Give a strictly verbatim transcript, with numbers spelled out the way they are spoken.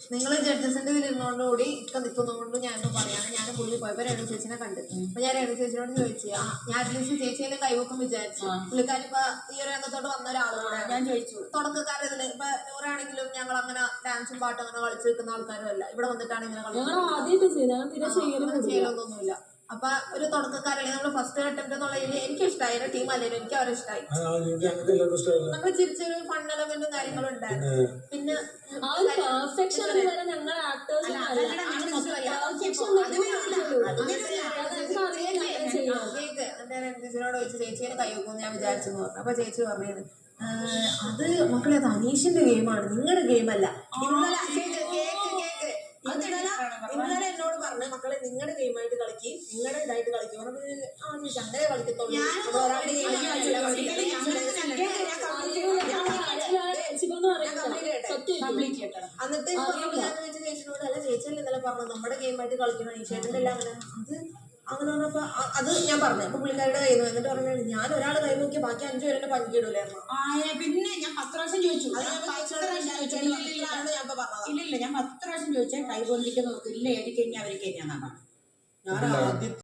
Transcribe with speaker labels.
Speaker 1: നിങ്ങൾ ജഡ്ജസിന്റെ ഇതിൽ ഇരുന്നോണ്ടുകൂടി ഇക്ക നിൽക്കുന്നതുകൊണ്ട് ഞാനിപ്പോ പറയാണ്. ഞാൻ പുള്ളി പോയപ്പോ രേണു ചേച്ചിനെ കണ്ട്. അപ്പൊ ഞാൻ രേണു ചേച്ചിനോട് ചോദിച്ചു, ആ ഞാൻ അറ്റ്ലീസ്റ്റ് ചേച്ചിയെ കൈവക്കും വിചാരിച്ചു. പുള്ളിക്കാരി ഇപ്പൊ ഈ ഒരു രംഗത്തോട്ട് വന്ന ഒരാളും കൂടെ. ഞാൻ ചോദിച്ചു തുടക്കക്കാരതില് ഇപ്പൊ നൂറാണെങ്കിലും ഞങ്ങൾ അങ്ങനെ ഡാൻസും പാട്ടും അങ്ങനെ കളിച്ചു നിൽക്കുന്ന ആൾക്കാരും അല്ല. ഇവിടെ വന്നിട്ടാണ് ഇങ്ങനെ കളിക്കുന്നത്, ചെയ്യലൊന്നുമില്ല. അപ്പൊ ഒരു തുടക്കക്കാരല്ലേ നമ്മള് ഫസ്റ്റ് അറ്റംപ്റ്റ് എന്നുള്ളതിൽ എനിക്ക് ഇഷ്ടമായി. എന്റെ ടീം അല്ലെങ്കിലും എനിക്ക് അവരെ ഇഷ്ടമായി. നമ്മൾ ചിരിച്ചൊരു ഫൺ എലമെന്റും കാര്യങ്ങളും ഉണ്ടായിരുന്നു. പിന്നെ കേക്ക് എന്റെ ചേച്ചിനോട് ചോദിച്ചു ചേച്ചിയെ കൈ വെക്കുമെന്ന് ഞാൻ വിചാരിച്ചെന്ന് പറഞ്ഞു. അപ്പൊ ചേച്ചി പറഞ്ഞത് അത് മക്കളെ അത് അനീഷിന്റെ ഗെയിമാണ്, നിങ്ങളുടെ ഗെയിമല്ല. ഇന്നലെ കേക്ക് കേക്ക് കേക്ക് ഇന്നലെ എന്നോട് പറഞ്ഞു മക്കളെ നിങ്ങളുടെ ഗെയിമായിട്ട് കളിക്ക്, നിങ്ങളുടെ ഇതായിട്ട് കളിക്കും. ആ ചേച്ചി അങ്ങനെ കളിക്കത്തുള്ളൂ. എന്നിട്ട് ഞാൻ ചേച്ചിനോട് അല്ല ചേച്ചിയല്ലേ ഇന്നലെ പറഞ്ഞു നമ്മുടെ ഗെയിമായിട്ട് കളിക്കണം, ഈശേട്ടൻ്റെ എല്ലാം അങ്ങനെ അത് അങ്ങനെ പറഞ്ഞപ്പോ അത് ഞാൻ പറഞ്ഞു. അപ്പൊ പുള്ളിക്കാരുടെ കയ്യിൽ നിന്ന് എന്നിട്ട് പറഞ്ഞു ഞാൻ ഒരാൾ കൈ നോക്കി ബാക്കി അഞ്ചു പേരുടെ പങ്കിടൂലായിരുന്നു.
Speaker 2: പിന്നെ ഞാൻ പത്ത് പ്രാവശ്യം ചോദിച്ചു, ഇല്ലില്ല ഞാൻ പത്ത് പ്രാവശ്യം ചോദിച്ചാൽ കൈ പൊന്തിക്ക് നോക്കില്ല, എനിക്ക് കഴിഞ്ഞാൽ അവർക്ക് കഴിഞ്ഞാന്നാണ് ഞാൻ